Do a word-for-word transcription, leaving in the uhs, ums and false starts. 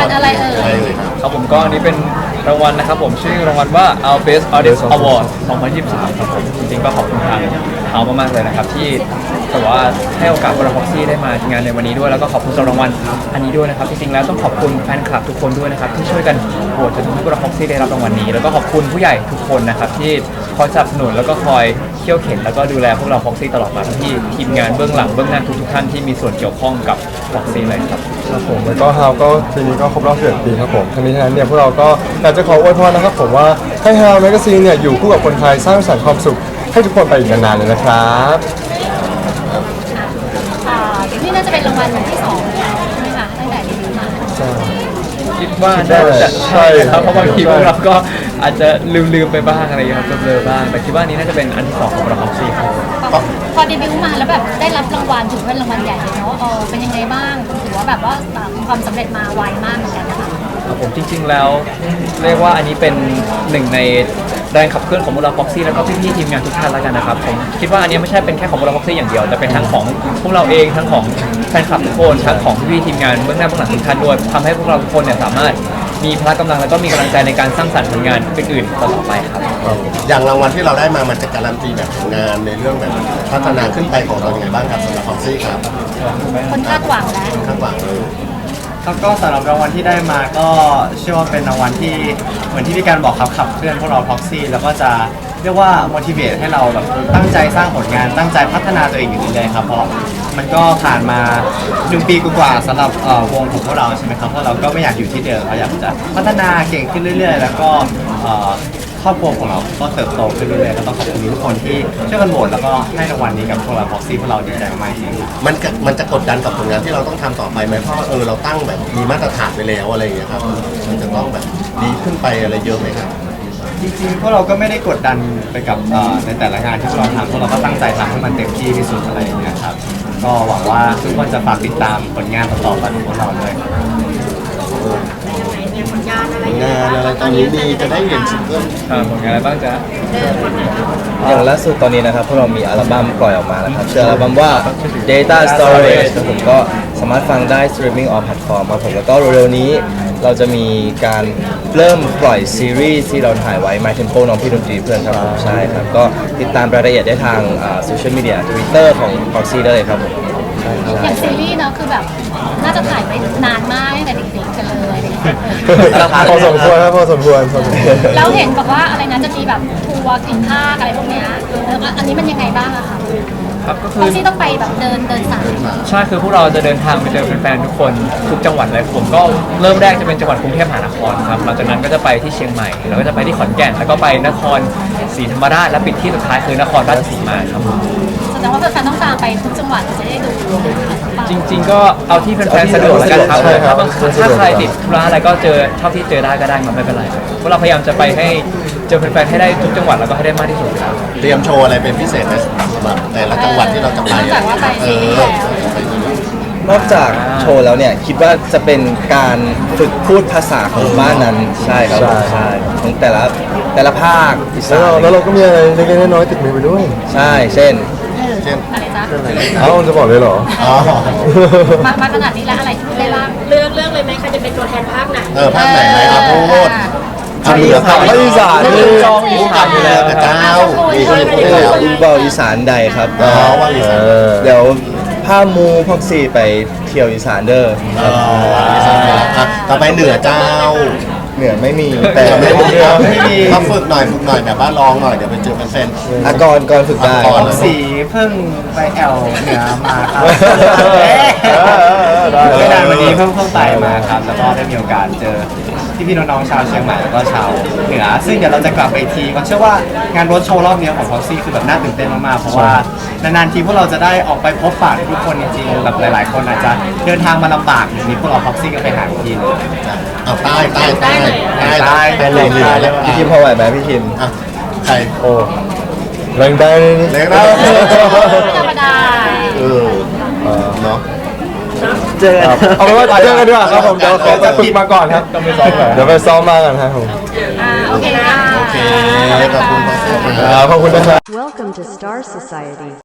วัลอะไรเอ่ยครับผมก็อันนี้เป็นรางวัลนะครับผมชื่อรางวัลว่า Our Best Artist Award สองพันยี่สิบสามครับผมจริงๆก็ขอบคุณทางเขามากๆเลยนะครับที่แต่ว่าให้โอกาสพวกเราพ็อกซี่ได้มางานในวันนี้ด้วยแล้วก็ขอบคุณสำหรับรางวัลอันนี้ด้วยนะครับจริงๆแล้วต้องขอบคุณแฟนคลับทุกคนด้วยนะครับที่ช่วยกันโหวตจนทำให้พวกเราพ็อกซี่ได้รับรางวัลนี้แล้วก็ขอบคุณผู้ใหญ่ทุกคนนะครับที่คอยสนับสนุนแล้วก็คอยเขี่ยวเข็นแล้วก็ดูแลพวกเราพ็อกซี่ตลอดมาทั้งที่ทีมงานเบื้องหลังเบื้องหน้าทุกๆท่านที่มีส่วนเกี่ยวข้องกับพ็อกซี่เลยครับครับผมแล้วก็ฮาวก็ปีนี้ก็ครบรอบสิบเอ็ดปีครับผมทั้งนี้ทั้งนั้นเนี่ยพวกเราก็อยากจะขออวยพรนะครับผมว่าให้ฮาวแมกกาซีนเนี่ยอยู่คู่กับคนไทยสร้างสรรค์ความสุขให้ทุกคนไปอีกนานๆเลยนะครับนี่น่าจะเป็นรางวัลที่สองแล้วใช่ไหมคะตั้งแต่เดบิวต์มาคิดว่าน่าจะใช่ครับเพราะบางทีพวกเราก็อาจจะลืมๆไปบ้างอะไรอย่างเงี้ยครับเบลอๆบ้างแต่คิดว่านี้น่าจะเป็นอันที่สองของเราพ็อกซี่ครับพอเดบิวต์มาแล้วแบบได้รับรางวัลถือเป็นรางวัลใหญ่เลยเนาะเออเป็นยังไงบ้างถือว่าแบบว่าความสำเร็จมาไวมากเหมือนกันนะคะครับผมจริงๆแล้วเรียกว่าอันนี้เป็นหนึ่งในแรงขับเคลื่อนของพวกเราพ็อกซี่แล้วก็พี่ๆทีมงานทุกท่านแล้วกันนะครับผมคิดว่าอันนี้ไม่ใช่เป็นแค่ของพวกเราพ็อกซี่อย่างเดียวแต่เป็นทั้งของพวกเราเองทั้งของแฟนคลับทุกคนทั้งของพี่ๆทีมงานเบื้องหน้าเบื้องหลังทุกท่านด้วยทำให้พวกเราทุกคนเนี่ยสามารถมีพละกำลังแล้วก็มีกำลังใจในการสร้างสรรค์ผลงานอื่นๆต่อไปครับอย่างรางวัลที่เราได้มามันจะการันตีแบบงานในเรื่องแบบพัฒนาขึ้นไปของเราอย่างไรบ้างครับสำหรับพ็อกซี่ครับคนคาดหวังแล้วคาดหวังครับก็สำหรับรางวัลที่ได้มาก็เชื่อว่าเป็นรางวัลที่เหมือนที่พี่การบอกครับขับเคลื่อนพวกเราพ็อกซี่แล้วก็จะเรียกว่า motivate ให้เราแบบตั้งใจสร้างผลงานตั้งใจพัฒนาตัวเองอยู่เรื่อยๆครับเพราะมันก็ผ่านมาหนึ่งปีกว่าสำหรับวงของพวกเราใช่ไหมครับเพราะเราก็ไม่อยากอยู่ที่เดิมเราอยากจะพัฒนาเก่งขึ้นเรื่อยๆแล้วก็ครอบครัวของเราก็เติบโตขึ้นเรื่อยๆก็ต้องขอบคุณทุกคนที่ช่วยกันโหวตแล้วก็ให้รางวัลนี้กับพวกเราพ็อกซี่พวกเราดีใจมากจริงมันมันจะกดดันกับผลงานที่เราต้องทำต่อไปไหมเพราะเออเราตั้งแบบมีมาตรฐานไปแล้วอะไรอย่างเงี้ยครับมันจะต้องแบบดีขึ้นไปอะไรเยอะไหมครับจริงๆพวกเราก็ไม่ได้กดดันไปกับในแต่ละงานที่พวกเราทำพวกเราก็ตั้งใจทำให้มันเต็มที่ที่สุดอะไรอย่างเงี้ยครับก็หวังว่าทุกคนจะฝากติดตามผลงานต่อๆไปของพวกเราด้วยงานอะไรตอนนี้ดีจะได้เห็นซิงเกิลผลงานอะไรบ้างจ๊ะอย่างล่าสุดตอนนี้นะครับพวกเรามีอัลบั้มปล่อยออกมาแล้วครับชื่ออัลบั้มว่า Data Storage ครับผมก็สามารถฟังได้ streaming on platform ครับผมแล้วก็เร็วๆนี้เราจะมีการเริ่มปล่อยซีรีส์ที่เราถ่ายไว้ My Tempo น้องพี่ดนตรีเพื่อนครับผมใช่ครับก็ติดตามรายละเอียดได้ทางโซเชียลมีเดีย Twitter ของ Proxy ได้เลยครับผมอย่างซีรีส์เนาะคือแบบน่าจะถ่ายไปนานมากตั้งแต่เด็กๆกันเลยพอสมควรครับพอสมควรแล้วเห็นบอกว่าอะไรนะจะมีแบบทัวร์กินข้าวอะไรพวกเนี้ยแล้วอันนี้มันยังไงบ้างอะคะครับก็คือที่ต้องไปแบบเดินเดินสายใช่คือพวกเราจะเดินทางไปเจอแฟนๆทุกคนทุกจังหวัดเลยผมก็เริ่มแรกจะเป็นจังหวัดกรุงเทพมหานครครับหลังจากนั้นก็จะไปที่เชียงใหม่แล้วก็จะไปที่ขอนแก่นแล้วก็ไปนครศรีธรรมราชและปิดที่สุดท้ายคือนครราชสีมาครับแสดงว่าแฟนๆต้องตามไปทุกจังหวัดจะได้ดูจริงๆก็เอาที่แฟนๆสะดวกแล้วกันครับถ้าใครติดธุระอะไรก็เจอเท่าที่เจอได้ก็ได้มาไม่เป็นไรพวกเราพยายามจะไปให้เจอแฟนๆให้ได้ทุกจังหวัดแล้วก็ให้ได้มากที่สุดครับเตรียมโชว์อะไรเป็นพิเศษไหมสำหรับแต่ละจังหวัดที่เราจะไปเออนอกจากโชว์แล้วเนี่ยคิดว่าจะเป็นการฝึกพูดภาษาของบ้านนั้นใช่ครับใช่ของแต่ละแต่ละภาคอีสานแล้วเราก็มีอะไรเล็กๆน้อยๆติดมือไปด้วยใช่เช่นเช่นอะไรจ๊ะเอ้าจะบอกเลยเหรอมามาขนาดนี้แล้วอะไรที่ได้บ้างเลือกเลือกเลยไหมใครจะเป็นตัวแทนภาคไหนเออภาคไหนไหมครับพูดภาคอีสานนี่จองอีสานอยู่แล้วเจ้ามีคนพูดแล้วอุบลอีสานใดครับเดี๋ยวพามูพ็อกซี่ไปเที่ยวอีสานเด้อต่อไปเหนือเจ้าเหนือไม่มีแต่ไม่มีไม่มีมาฝึกหน่อยฝึกหน่อยแบบว่าลองหน่อยเดี๋ยวไปเจอเป็นแฟนอากรก่อนฝึกได้สีเพิ่งไปแอลเหนือมาครับไม่นานวันนี้เพิ่งเพิ่งไปมาครับแล้วก็ได้มีโอกาสเจอที่พี่น้องๆชาวเชียงใหม่แล้วก็ชาวเหนือซึ่งเดี๋ยวเราจะกลับไปทีก็เชื่อว่างานรถโชว์รอบนี้ของพ็อกซี่คือแบบน่าตื่นเต้นมากๆเพราะว่านานๆทีพวกเราจะได้ออกไปพบปะทุกคนจริงๆแบบหลายๆคนอาจจะเดินทางมาลำบากอย่างนี้พวกเราพ็อกซี่ก็ไปหาทีนึงเอาใต้ใต้ใต้ใต้ใต้ใต้เลยเลยพี่คิมพอไหวไหมพี่คิมอ่ะใครโอ้แรงได้แรงได้ธรรมดาเออเนาะเจอเอาเป็นว่าเจอกันดีกว่าครับผมเดี๋ยวขอไปฝึกมาก่อนครับต้องไปซ้อมเดี๋ยวไปซ้อมมากันครับผมโอเคค่ะโอเคขอบคุณครับขอบคุณนะครับ Welcome to Star Society